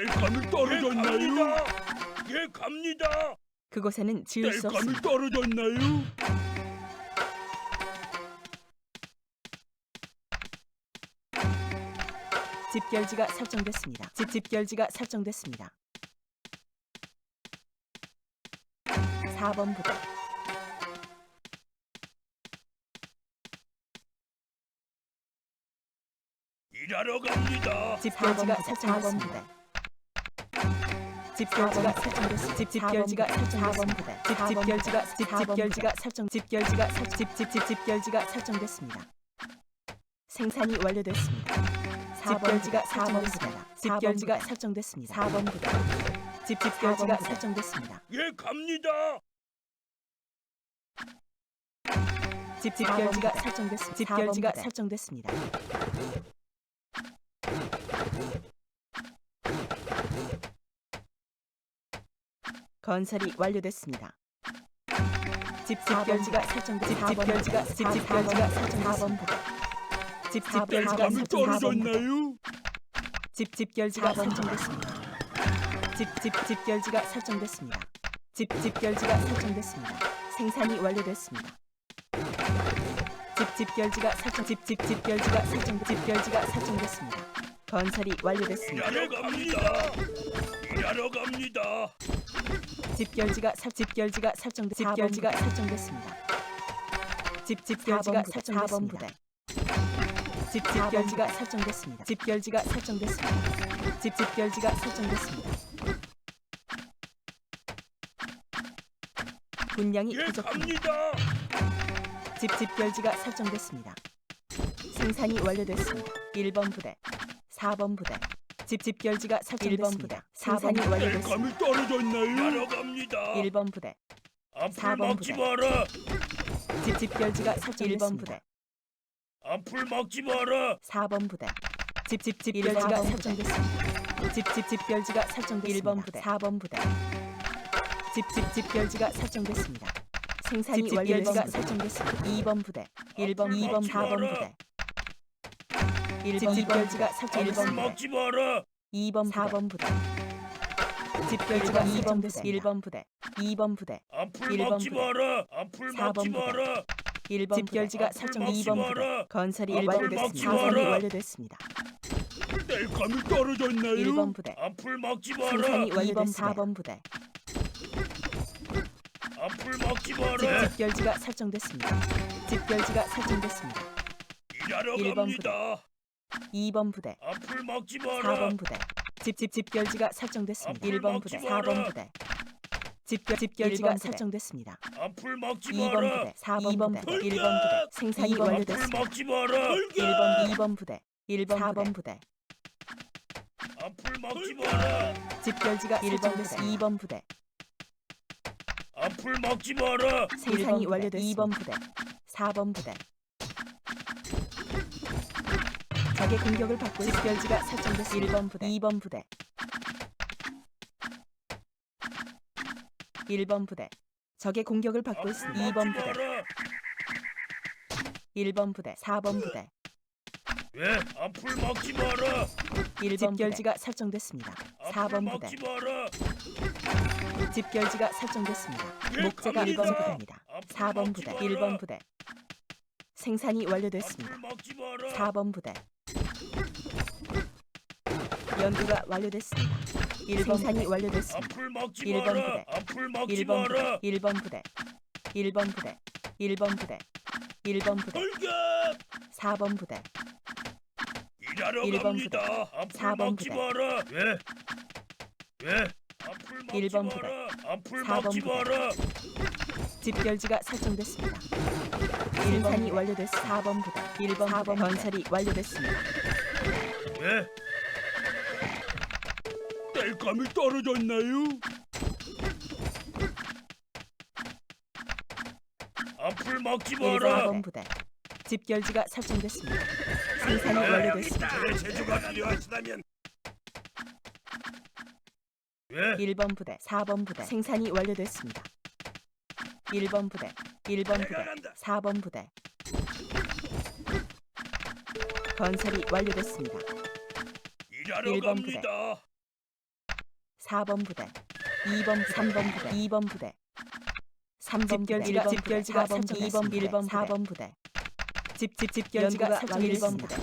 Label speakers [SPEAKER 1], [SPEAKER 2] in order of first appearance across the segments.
[SPEAKER 1] 땔감이 떨어졌나요? 예, 갑니다.
[SPEAKER 2] 그곳에는 지을 수
[SPEAKER 1] 땔감이
[SPEAKER 2] 없습니다.
[SPEAKER 1] 떨어졌나요?
[SPEAKER 2] 집결지가 설정됐습니다. 집결지가 설정됐습니다. 4번 부대,
[SPEAKER 1] 일하러 갑니다.
[SPEAKER 2] 집결지가 설정됐습니다. 집결지가 설정됐습니다. 집결지가 설정됐습니다. 집결지가 설정됐습니다. 생산이 완료됐습니다. 집결지가 설정됐습니다. 집결지가 설정됐습니다. 4번 부대, 집결지가 설정됐습니다.
[SPEAKER 1] 예, 갑니다.
[SPEAKER 2] 집결지가 설정됐습니다. 집결지가 설정됐습니다. 건설이 완료됐습니다. 집결지가 설정됐습니다. 집결지가 설정됐습니다. 4번 부대, 집결지가
[SPEAKER 1] 땔감이
[SPEAKER 2] 설정됐습니다.
[SPEAKER 1] 떨어졌나요?
[SPEAKER 2] 집결지가 설정됐습니다. 집결지가 설정됐습니다. 집결지가 설정됐습니다. 생산이 완료됐습니다. 집결지가 설정됐습니다. 건설이 완료됐습니다.
[SPEAKER 1] 일하러 갑니다. 일하러 갑니다.
[SPEAKER 2] 집결지가 설정됐습니다. 집결지가 설정됐습니다. 집결지가 설정됐습니다. 집결지가 설정됐습니다. 집결지가 설정됐습니다. 집결지가 설정됐습니다. 분량이
[SPEAKER 1] 예,
[SPEAKER 2] 부족합니다.
[SPEAKER 1] 갑니다.
[SPEAKER 2] 집결지가 설정됐습니다. 생산이 완료됐습니다. 1번 부대, 4번 부대, 집결지가 설정됐습니다. 생산이 완료됐습니다.
[SPEAKER 1] 땔감이 떨어졌나요? 일하러 갑니다.
[SPEAKER 2] 1번 부대,
[SPEAKER 1] 앞을
[SPEAKER 2] 4번
[SPEAKER 1] 막지
[SPEAKER 2] 부대.
[SPEAKER 1] 마라.
[SPEAKER 2] 집결지가 설정됐습니다. 1번 부대,
[SPEAKER 1] 앞을 막지 마라.
[SPEAKER 2] 4번 부대, 집결지가 설정됐습니다. 집결지가 설정됐습니다. 1번 부대, 4번 부대, 집결지가 설정됐습니다. 생산이 완료가 설정됐습니다. 2번 부대, 1번, 2번, 4번 부대, 1번 집결지가
[SPEAKER 1] 앞을
[SPEAKER 2] 설정됐습니다.
[SPEAKER 1] 막지 마라.
[SPEAKER 2] 2번, 4번 부대, 집결지가 설정됐습니다. 1번 부대, 2번 부대,
[SPEAKER 1] 앞을
[SPEAKER 2] 1번
[SPEAKER 1] 막지
[SPEAKER 2] 부대.
[SPEAKER 1] 마라. 앞을
[SPEAKER 2] 4번
[SPEAKER 1] 막지
[SPEAKER 2] 부대.
[SPEAKER 1] 마라.
[SPEAKER 2] 1번 집결지가
[SPEAKER 1] 앞을
[SPEAKER 2] 설정
[SPEAKER 1] 막지
[SPEAKER 2] 2번 부대,
[SPEAKER 1] 마라.
[SPEAKER 2] 건설이
[SPEAKER 1] 앞을
[SPEAKER 2] 완료됐습니다.
[SPEAKER 1] 막지
[SPEAKER 2] 사선이
[SPEAKER 1] 마라.
[SPEAKER 2] 완료됐습니다.
[SPEAKER 1] 땔감이 떨어졌나요?
[SPEAKER 2] 1번 부대,
[SPEAKER 1] 앞을 막지 마라.
[SPEAKER 2] 생산이 완료됐습니다. 4번 부대,
[SPEAKER 1] 앞을 막지 마라.
[SPEAKER 2] 집결지가 설정됐습니다. 집결지가 설정됐습니다.
[SPEAKER 1] 일하러
[SPEAKER 2] 1번
[SPEAKER 1] 갑니다.
[SPEAKER 2] 2번 부대,
[SPEAKER 1] 앞을 막지 마라.
[SPEAKER 2] 4번 부대, 집결지가 설정됐습니다.
[SPEAKER 1] 앞을
[SPEAKER 2] 1번 부대,
[SPEAKER 1] 막지 마라.
[SPEAKER 2] 4번 부대, 집결지가 설정됐습니다.
[SPEAKER 1] 앞을 막지
[SPEAKER 2] 2번
[SPEAKER 1] 마라.
[SPEAKER 2] 부대, 4번 부대,
[SPEAKER 1] 돌격!
[SPEAKER 2] 1번 부대, 생산이
[SPEAKER 1] 앞을
[SPEAKER 2] 완료됐습니다.
[SPEAKER 1] 막지 마라.
[SPEAKER 2] 1번, 2번 부대, 1번, 4번 부대,
[SPEAKER 1] 앞을 막지 마라.
[SPEAKER 2] 집결지가 설정됐습니다. 2번 부대,
[SPEAKER 1] 앞을 막지 마라.
[SPEAKER 2] 생산이 완료됐습니다. 2번 부대, 4번 부대. 적의 공격을 받고 집결지가 설정됐습니다. 1번 부대, 2번 부대, 1번 부대. 적의 공격을 받고 있습니다. 2번 부대, 1번 부대, 4번 부대,
[SPEAKER 1] 왜? 앞을 막지 마라.
[SPEAKER 2] 1번 집결지가 설정됐습니다. 4번 부대,
[SPEAKER 1] 막지 마라.
[SPEAKER 2] 집결지가 설정됐습니다.
[SPEAKER 1] 예,
[SPEAKER 2] 목재가
[SPEAKER 1] 갑니다.
[SPEAKER 2] 1번 부대입니다.
[SPEAKER 1] 앞을
[SPEAKER 2] 4번
[SPEAKER 1] 막지
[SPEAKER 2] 부대,
[SPEAKER 1] 마라.
[SPEAKER 2] 1번 부대. 생산이 완료됐습니다.
[SPEAKER 1] 앞을 막지 마라.
[SPEAKER 2] 4번 부대. 연구가 완료됐습니다. 1번 생산이 완료됐습니다.
[SPEAKER 1] 앞을 막지
[SPEAKER 2] 1번
[SPEAKER 1] 마라.
[SPEAKER 2] 부대.
[SPEAKER 1] 앞을 막지
[SPEAKER 2] 1번 부대,
[SPEAKER 1] 마라.
[SPEAKER 2] 1번 부대, 1번 부대, 1번 부대, 1번 부대,
[SPEAKER 1] 돌격!
[SPEAKER 2] 4번 부대,
[SPEAKER 1] 일하러
[SPEAKER 2] 1번
[SPEAKER 1] 갑니다. 앞을
[SPEAKER 2] 4번
[SPEAKER 1] 막지
[SPEAKER 2] 부대.
[SPEAKER 1] 마라. 왜? 왜? 앞을 막지
[SPEAKER 2] 1번
[SPEAKER 1] 마라. 앞을
[SPEAKER 2] 4번
[SPEAKER 1] 막지
[SPEAKER 2] 부대.
[SPEAKER 1] 마라.
[SPEAKER 2] 집결지가 설정됐습니다. 생산이 완료됐습니다. 4번 부대, 1번 4번 건설이 완료됐습니다.
[SPEAKER 1] 왜? 땔감이 떨어졌나요? 앞을 막지 마라.
[SPEAKER 2] 4번 부대. 집결지가 설정됐습니다. 생산이 완료됐습니다.
[SPEAKER 1] 내 제주가 필요하시다면 왜?
[SPEAKER 2] 1번 부대, 4번 부대. 생산이 완료됐습니다. 1번 부대, 1번 부대, 4번 부대. 건설이 완료됐습니다.
[SPEAKER 1] 일하러
[SPEAKER 2] 1번 부대.
[SPEAKER 1] 갑니다.
[SPEAKER 2] 4번 부대 2번 3번 부대 2번 부대 3번 집결지가 집결지가 2번 1번 4번 부대 집결지가 설정 1번 부대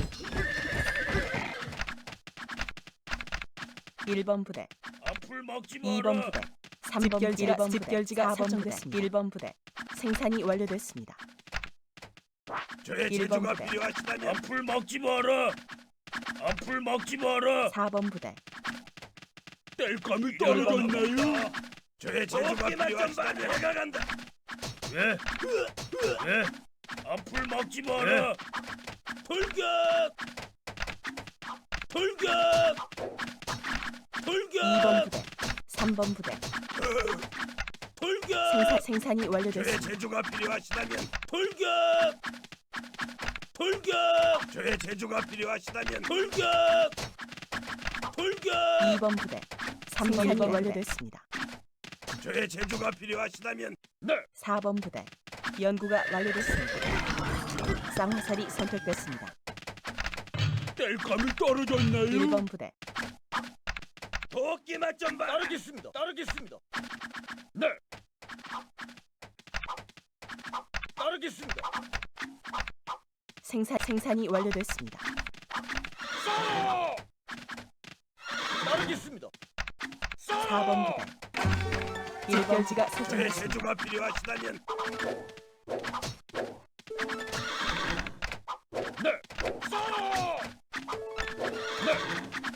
[SPEAKER 2] 1번 부대
[SPEAKER 1] 앞을 막지 마라.
[SPEAKER 2] 2번 부대 3번 집결지가 설정됐습니다. 1번 부대 생산이 완료됐습니다.
[SPEAKER 1] 저의
[SPEAKER 2] 1번
[SPEAKER 1] 제주가
[SPEAKER 2] 부대.
[SPEAKER 1] 필요하시다면 앞을 막지 마라. 앞을 막지 마라.
[SPEAKER 2] 4번 부대
[SPEAKER 1] 땔감이 떨어졌나요? 저의 제주가 필요하시다면 해가 간다. 왜? 왜? 앞을 막지 마라. 돌격! 돌격! 돌격!
[SPEAKER 2] 2번 부대 3번 부대
[SPEAKER 1] 돌격!
[SPEAKER 2] 생산이
[SPEAKER 1] 저의
[SPEAKER 2] 완료됐습니다.
[SPEAKER 1] 제주가 필요하시다면 돌격! 돌격! 저의 제주가 필요하시다면 돌격! 돌격!
[SPEAKER 2] 2번 부대 3번이
[SPEAKER 3] 부대.
[SPEAKER 2] 완료됐습니다.
[SPEAKER 1] 저의 제주가 필요하시다면 네.
[SPEAKER 2] 4번 부대 연구가 완료됐습니다. 쌍화살이 선택됐습니다.
[SPEAKER 1] 땔감이 떨어졌나요?
[SPEAKER 2] 1번 부대
[SPEAKER 1] 도끼 맛좀 봐. 따르겠습니다. 따르겠습니다. 네. 따르겠습니다.
[SPEAKER 2] 생산이 완료됐습니다.
[SPEAKER 1] 쏘! 따르겠습니다. 쏘!
[SPEAKER 2] 4번 부대 1결지가
[SPEAKER 1] 저의
[SPEAKER 2] 설정됐습니다.
[SPEAKER 1] 제주가 필요하시다면 네. 쏘! 네.